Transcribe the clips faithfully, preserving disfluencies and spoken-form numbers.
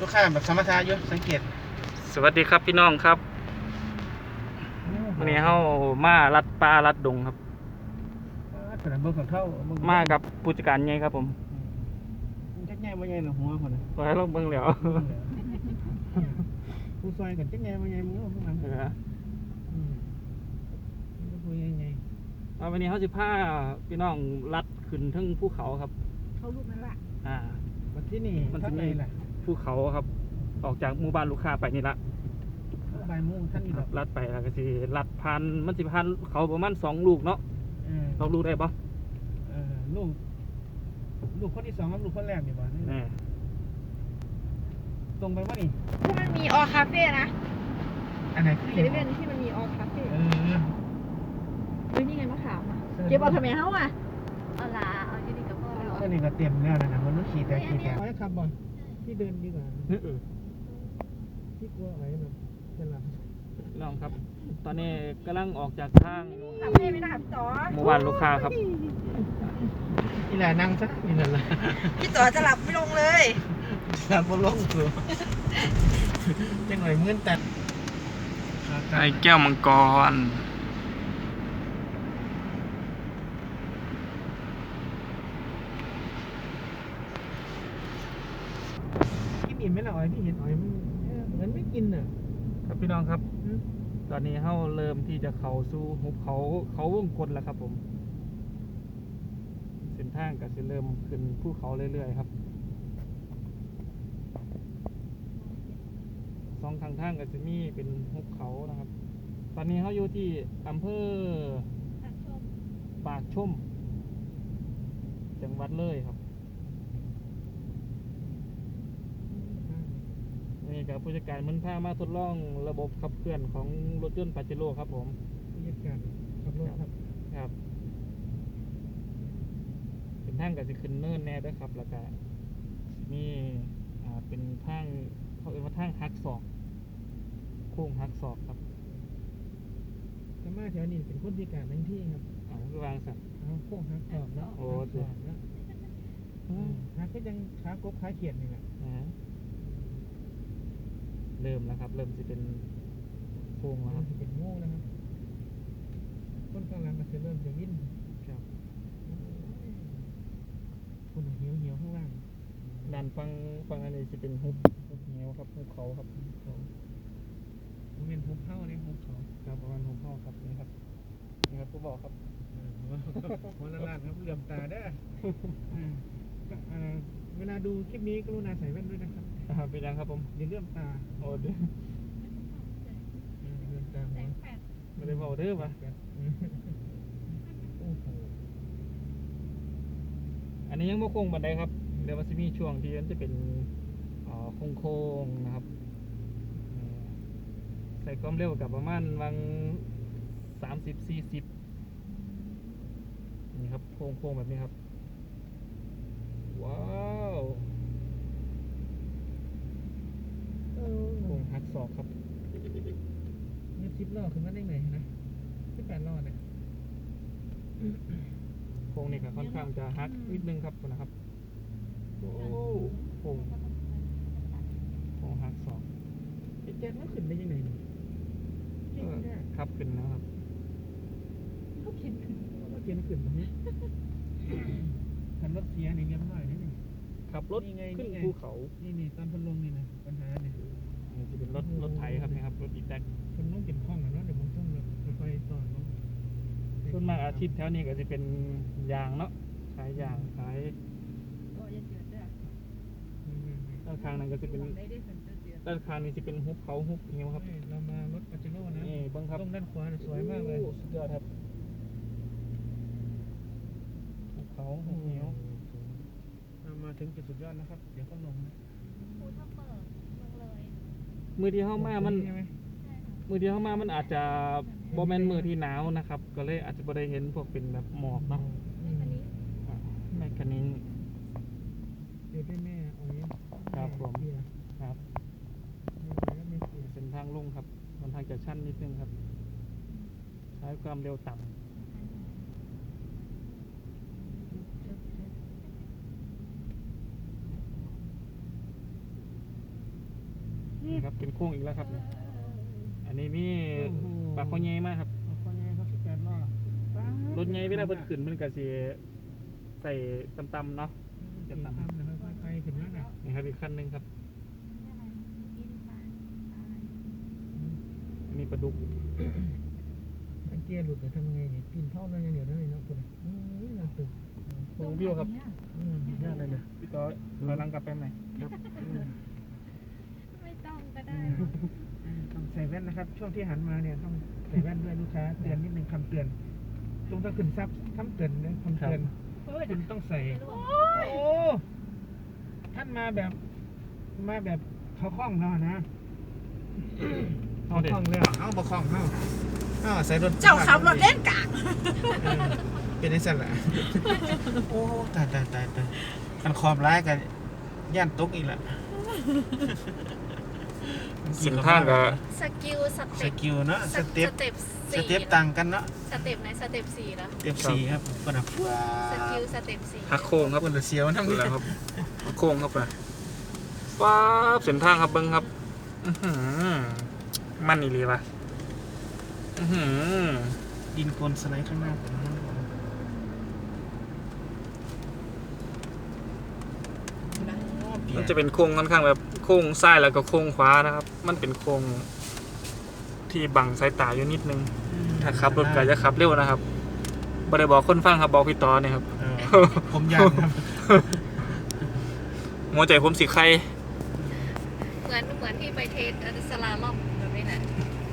ลูกค้าแบบสมรรถะอยู่สังเกตสวัสดีครับพี่น้องครับวันนี้เฮามาลัดปลาลัดดงครับมากับผู้จัดการใหญ่ครับผมจักแง่บ่ใหญ่หรอหัวคนน่ะไปลองเบิ่งแล้วผู้ซอยกันจักแง่บ่ใหญ่มึงพวกนั้นเอออืมผู้ใหญ่ๆเอาวันนี้เฮาสิพาพี่น้องลัดขึ้นถึงภูเขาครับเขาลูกนั่นล่ะอ่าวันที่นี่มันสิมีภูเขาครับออกจากหมู่บ้านลูกค้าไปนี่ละบ่ายโมงท่านนี่ดอกลัดไปแล้วก็สิลัดผ่านมันสิผ่านเขาประมาณสองลูกเนาะเออสองลูกได้บ่เออลูกลูกคนที่สองกับลูกคนแรกนี่บ่แน่ตรงไปบ่นี่ที่มันมีออคาเฟ่นะอันไหนคือเซเว่นที่มันมีออคาเฟ่เออเฮ้ยนี่ไงมะขามอ่ะเก็บเอาทำไมเฮาอ่ะเอาล่ะเอาอยู่นี่กับพ่อแล้วก็นี่ก็เต็มแล้วนะมันต้องขี่แต่ขี่แต่ไอ้ขับบ่อยที่เดินดีกว่าเออที่กลัวไอ้แบบจะหลับน้องครับตอนนี้กำลังออกจากทางคาเฟ่ไม่ได้ครับจ๋อหมู่บ้านลูกค้าครับนี่แหละนั่งซะนี่นั่นแหละพี่จ๋อจะหลับไม่ลงเลยหลับบ่ลงตัวจังหน่อยมื้นแต่ไอ้แก้วมังกรกินอิ่มไหมล่ะอ๋อยพี่เห็นอ๋อยมันเหมือนไม่กินอ่ะครับพี่น้องครับตอนนี้เฮาเริ่มที่จะเข้าสู่หุบเขาเขาวงกลแล้วครับผมเส้นทางก็สิเริ่มขึ้นภูเขาเรื่อยๆครับสองทางทางก็จะมีเป็นหุบเขานะครับตอนนี้เฮาอยู่ที่อำเภอปากชมจังหวัดเลยครับนี่กับผู้จัดการมันพามาทดลองระบบขับเคลื่อนของรถยนต์ปาเจโร่ครับผมผู้จัดการขับรถครับครับเป็นทางกับสิขึ้นเนินแน่ด้วยครับแล้วก็มีอ่าเป็นทางเขาเรียกว่าทางหักศอกโค้งหักศอกครับถ้ามาแถวนี้เป็นคนพิการทั้งที่ครับอ๋อคือวางสัตว์เอาโค้งหักศอกแล้วโอ้ศอกแล้วหักก็ยังขากบขาเขียนนี่แหละเริ่มแล้วครับเริ่มจะเป็นโค้งแล้วครับเป็นโง่นะครับต้นกลางหลังก็จะเริ่มจะวิ่งครับคนเหี่ยวเหี่ยวข้างล่างด้านฟังฟังอันนี้จะเป็นหุบหุบเหวครับหุบเขาครับเขามันเป็นหุบเข้าเนี่ยหุบเขาครับประมาณหุบเข้าครับนี่ครับนี่ครับผู้บอกครับหัวละลานครับเหลื่อมตาได้เวลาดูคลิปนี้กรุณาใส่แว่นด้วยนะครับเป็นยังครับผมอย่าเลื่อมตาโอ้ดิเลื่อมตาหัวไม่ได้บอกเด้อป่ะอันนี้ยังไม่โค้งบันไดครับเดี๋ยวมันจะมีช่วงที่มันจะเป็นโค้งโค้งนะครับใส่ความเร็วกับประมาณวังสามสิบสี่สิบนี่ครับโค้งโค้งแบบนี้ครับว้าวโค้งหักศอกครับนี่สิบล้อขึ้นมาได้ไงนะสิบแปดล้อเนี่ยโค้งนี่ก็ค่อนข้างจะฮักนิดนึงครับนะครับโอ้โค้งโค้งฮักศอกไอ้แจ๊ดมันขึ้นได้ยังไงครับขึ้นนะครับเขาเขียนขึ้นเขาเขียนขึ้นแบบนี้ขันรถเสียนี่เงี้ยหน่อยนี่ขับรถขึ้นภูเขานี่นี่ตอนพันลงนี่นะปัญหาเนี่ยนี่จะเป็นรถรถไถครับนี่ครับรถอีแท็กพันลงเป็นคล้องนะเดี๋ยวมึงต้องไฟต่อลงส่วนมากอาชีพแถวนี้ก็จะเป็นยางเนาะขายยางขายด้านข้างนั้นก็จะเป็นด้านข้างนี้จะเป็นหุบเขาหุบเงี้ยครับเรามารถปาเจโร่นะนี่บังครับตรงด้านขวาสวยมากเลยสุดยอดครับหุบเขาหุบเงี้ยมาถึงจุดสุดยอดนะครับเดี๋ยวก็ลงภูทับเบิกลงเลยมือที่เข้ามามันมือที่เข้ามามันอาจจะโมเมนต์มือที่หนาวนะครับก็เลยอาจจะไม่ได้เห็นพวกเป็นแบบหมอกเนาะแม่คันนี้เดี๋ยวได้แม่เอาเนี้ยครับผมครับเป็นทางลุ่งครับมันทางจะชั้นนิดนึงครับใช้ความเร็วต่ำนี่ครับเป็นโค้งอีกแล้วครับ อันนี้มีปากคอใหญ่มากครับคนใหญ่เขาสิบแปดล้อรถใหญ่เวลาเพิ่นขึ้นมันก็สิใส่ต่ำๆเนาะจะตามเลยค่อยๆไปถึงนั่นน่ะนี่ครับอีกคันหนึงครับอันนี้ปลาดุกถ้าเกียร์หลุดจะทำยังไงเนี่ยปีนเท่านั้นยังเดี๋ยวได้เนาะคุณอืมน่าตึกโค้งวิวครับอืมยากเลยเนี่ยพี่ต่อถอยหลังกลับไปไหนครับอืมไม่ต้องก็ได้ต้องใส่แว่นนะครับ ช่วงที่หันมาเนี่ยต้องใส่แว่นด้วยลูกค้าเตือนนิดนึงคำเตือนลงถ้าขึ้นซับคำเตือนนะคำเตือนคุณต้องใส่โอ้ท่านมาแบบมาแบบเขาคล้องเนาะนะเอาเขาเด็คล้องเลยเอาบะคล้องเอาเอาใส่รถเจ้าขับรถเล่นกะเออเป็นไอ้สัตว์ละโอ้ตายตายตายตายกันขอบร้ายกันย่านตุกอีกละเส้นทางก็สกิลสสเต็ปกิลเนาะสเต็ปสเต็ปสสี่เต็ปต่างกันเนาะสเต็ปไหนสเต็ปสี่แล้วสเต็ปสี่ครับคนละว้าสกิลสเต็ปสี่หักโค้งครับคนละเสียวทั้งนั่นนี้แหละครับหักโค้งเข้าไปป๊าบเส้นทางครับเบิ้งครับอื้อหือมันอีหลีป่ะอื้อหือดินโคลนสไลด์ข้างหน้าผมนะมันจะเป็นโค้งค่อนข้างแบบโค้งซ้ายแล้วก็โค้งขวานะครับ มันเป็นโค้งที่บังสายตาอยู่นิดนึง ถ้าขับรถก็จะขับเร็วนะครับบ่ได้บอกคนฟังครับบอกพี่ต่อเนี่ยครับเออผมยากครับหัวใจผมสีไข่เหมือนเหมือนที่ไปเทสอันสลาล่อมแบบนี้แหละ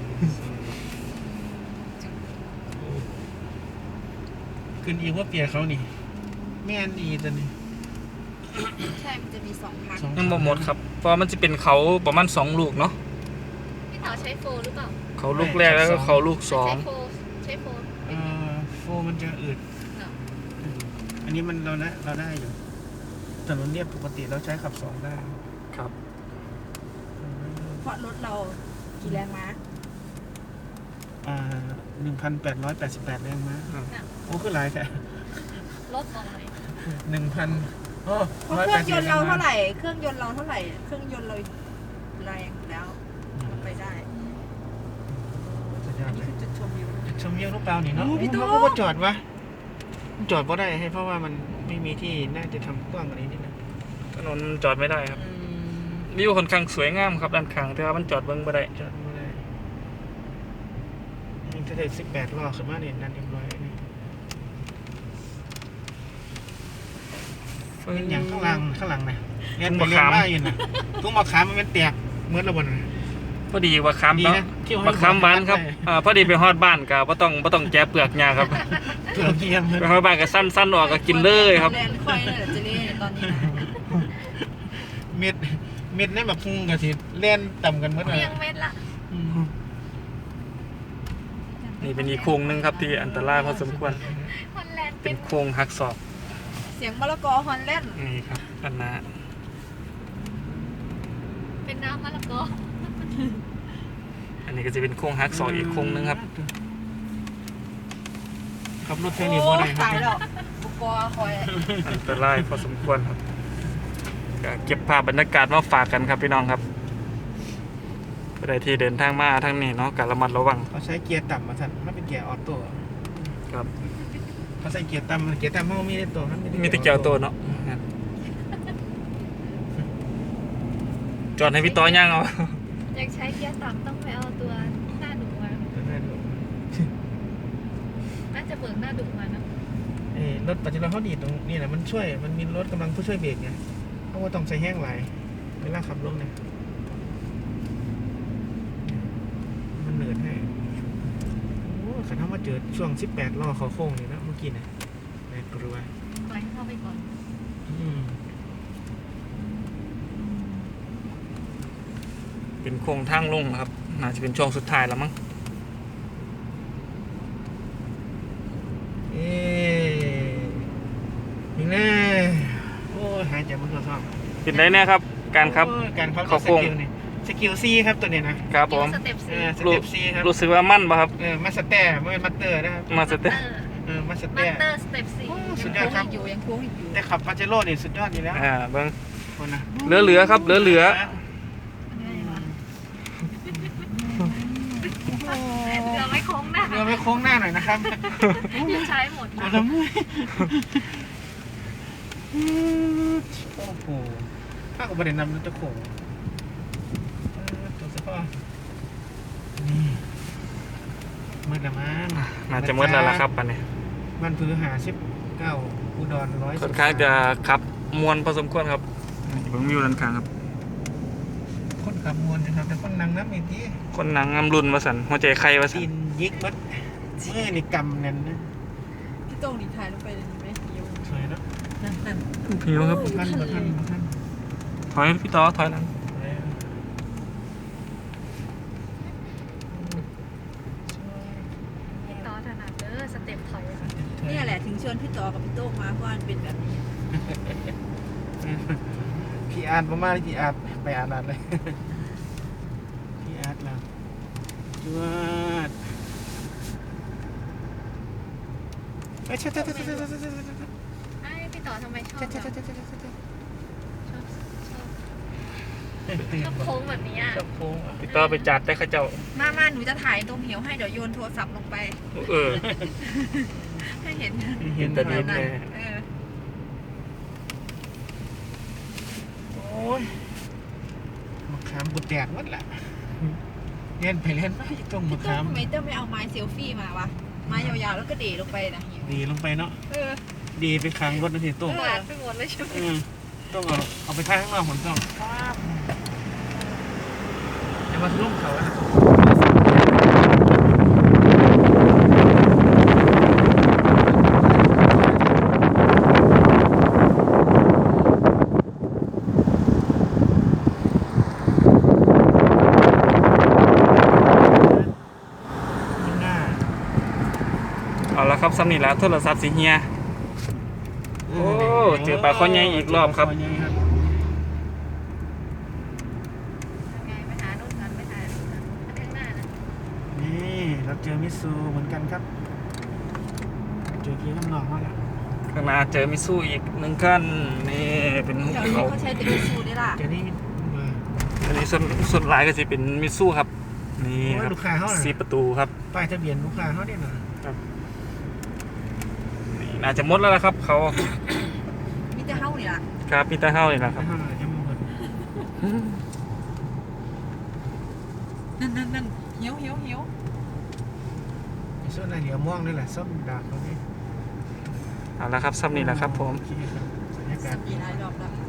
ขึ้นอีกว่าเปียเขานี่แม่นอีตัวนี้ใช่ มันจะมีสองพันสองยังบ่หมดครับ เพราะมันจะเป็นเขาประมาณสองลูกเนาะพี่เต๋าใช้โฟหรือเปล่าเขาลูกแรกแล้วก็เขาลูกสองใช้โฟใช้โฟเอ่อโฟมันจะอืดเนาะอันนี้มันเราได้เราได้อยู่ถนนเรียบปกติเราใช้ขับสองได้ครับเพราะรถเรากี่แรงม้าอ่าหนึ่งพันแปดร้อยแปดสิบแปดแรงม้าอืมโอ้คือหลายแค่ลดลงเลยหนึ่งพันโอ้เพราะเครื่องยนต์เราเท่าไหร่ เครื่องยนต์เราเท่าไหร่ เครื่องยนต์เราแรงอยู่แล้วมันไปได้สุดยออัดนเลนี้ยคือจุดชมวิวจุดชมวิวลูกเปล่านี่เนาะโอ้พี่โต้มันก็จอดวะมันจอดเพราะได้ให้เพราะว่ามันไม่มีที่น่าจะทำกว้างกว่านี้นิดนึงถนนจอดไม่ได้ครับวิวค่อนข้างสวยงามครับด้านข้างแต่ว่ามันจอดเบิ่งบ่ได้จอดไม่ได้นี่ถ้าได้สิบแปดล้อขึ้นมาเนี่ยนั่นเรียบร้อยนี่ เป็นอย่างข้างหลังข้างหลังนะเนี่ยทุ่งไปมะเรียขาน มว่าอยู่นะทุ่งมะขามมันเป็นเตียกเหมือนระเบิดนะพอดีว่าคำดีเนาะนะที่ว่าบักคำหวานครับอ่าพอดีไปฮอดบ้านก็บ่ต้องบ่ต้องแกะเปลือกหญ้าครับเถื่อนเทียมไปฮอดบ้านก็สั้นๆออกก็กินเลยครับแลนค่อยเลยเหรอเจเล่ตอนนี้นะเม็ดเม็ดในแบบพุงกับสิเล่นต่ำกันเมื่อไหร่เรียงเม็ดละนี่เป็นอีกโค้งหนึงครับที่อันตรายพอสมควรฮอลแลนด์เป็เป็น นโค้งหักศอกเสียงมะละกอฮอนแลนด์นี่ครับอันนาเป็นน้ำมะละกออันนี้ก็จะเป็นโค้งหักศอกอีกโค้งหนึงครับขับรถแค่นี้พอได้ครัตายแล้วบบุกอคอยอันตรายพอสมควรครับก็เก็บภาพบรรยากาศมาฝากกันครับพี่น้องครับผู้ใดที่เดินทางมาทางนี้เนาะก็ระมัดระวังเขาใช้เกียร์ต่ำมาสั่นมันเป็นเกียร์ออโต้ครับเขาใส่เกียร์ต่ำเกียร์ต่ำมันมีในตัวครับมีแตะเกียวตัวเนาะจอดให้พี่ต้อย่างเอาอยากใช้เกียร์ต่ำต้องไปเอาตัวหน้าดุมาน่าจะเบิกหน้าดุมานะเอ้รถปัจจุบันเขาดีตรงนี้แหละมันช่วยมันมีรถกำลังผู้ช่วยเบรกไงเพราะว่าต้องใช้แห้งไหลเวลาขับรถเนี่ยมันเหนื่อยให้โอ้ขันเขามาเจอช่วงสิบแปดล้อเขาโค้งนี่นะเมื่อกี้เนี่ยในกลัวปล่อยให้เข้าไปก่อนอืมเป็นโค้งทางลงนะครับน่าจะเป็นช่วงสุดท้ายแล้วมั้งเอ๊ะยังไงโอ้ยหายใจมันก็ท้องเป็นได้แน่ครับ การครับโอ้ยการครับเข้าโค้งสกิลนี่สกิลซีครับตัวเนี้ยนะครับผมสเต็ปเอสี่อสรู้เต็ปซีครับรู้สึกว่ามั่นป่ะครับเออมาสเตอร์ไม่เป็นมาสเตอร์นะครับมาสเตอร์เออมาสเตมาอสร์เตอร์สเต็ปสี่สุดยยัอง ดโค้ครังบอีกอยู่ยังโค้งอีกอยู่แต่ขับปาเจโร่นี่สุดยอดอยู่แล้วอ่าเบิ้งคนนะเหลือเหลือครับเหลือเหลืออืมหน่อยนะครับยังใช้หมดปวดละเมื่อยโอ้โหถ้าอุบัติเหตุนำรถจะโขงเออตัวเสื้อผ้านี่มืดละมั้งน่าจะมืดแล้วล่ะครับปันนี้มันพื้นหาสิบเก้าอุดรร้อยค่อนข้างจะขับมวนพอสมควรครับนี่เบิ่งวิวด้านข้างครับคนขับมวลนะครับแต่คนนั่งน้ำอีกทีคนหนังอำรุนมาสันหัวใจใครมาสัดินนยิกมัดมือนี่กำนั่นนะพี่โต้งนี่ถ่ายลงไปเลยไหมเดี๋ยวสวยเนาะนั่นนั่นหิวครับท่านบ่ท่านบ่ท่านถอยพี่ต่อถอยหลังพี่ต่อถนัดเด้อสเต็ปถอยเนี่ยแหละถึงชวนพี่ต่อกับพี่โต้งมาเพราะมันเป็นแบบนี้พี่อาร์ตมาๆเลยพี่อาร์ตไปอาร์ตเลยพี่อาร์ตแล้วจวดเฮ้ยเช่ๆๆๆๆๆไอ้พี่ต่อทำไมชอบๆแบบๆชอบชอบๆตื่นชอบโค้งแบบนี้อ่ะชอบโค้งอ่ะพี่ต่อไปจัดได้ข้าเจ้ามามาหนูจะถ่ายตรงเหวให้เดี๋ยวโยนโทรศัพท์ลงไปเออให้เห็นเห็นแต่ดินนะเลยเออโอ้ยมะขามกูแตกหมดละเล่นไปเล่นมาอยู่ตรงมะพี่โต้ขาง มทำไมเต้าไม่เอาไม้เซลฟี่มาวะไม้ยาวๆแล้วก็เดลงไปนะเหวดีลงไปเนาะเออดีไปค้างรถนาทีตุ้งหวานไปหมดเลยใช่ไหมเออต้องเอาเอาไปท่าข้างนอกผมต้องอย่ามาลุ่มเขาอะข้างหน้าเอาละครับสำนีแล้วโทรศัพท์สีเฮีย โอ้เจอปลาข้อใหญ่อีกรอบครับปลาข้อใหญ่ครับยังไงไปหาโน่นกันไปหาโน่นกันข้างหน้านะนี่เราเจอมิตซูเหมือนกันครับเจอที่ข้างนอกมาแล้วข้างหน้าเจอมิซูอีกหนึ่งขั้นนี่เป็นหุบแถวนี้เขาเขาใช้แต่มิซูนี่ล่ะเจอนี่มาอันนี้ส่วนส่วนหลายก็จะเป็นมิซูครับ นี่โอ้ยครับลูกค้าเขาน่ะสีประตูครับป้ายทะเบียนลูกค้าเขาเนี่ยนะนี่น่าจะหมดแล้วละครับ เขามีแต่เฮ้านี่ล่ะครับพีเตอร์เฮาเลยนะคข้ารับงหน้าจะมองกันนั่นนั่นนั่นเหี้ยวเหี้ยวเหี้ยวไอ้ส่วนไหนเดี๋ยวม่วงนี่แหละส้มดาบเขาเนี่ยเอาละครับซ้ำนี่แหละครับผมโอเคครับบรรยากาสัศบปีหลายรอบแล้ว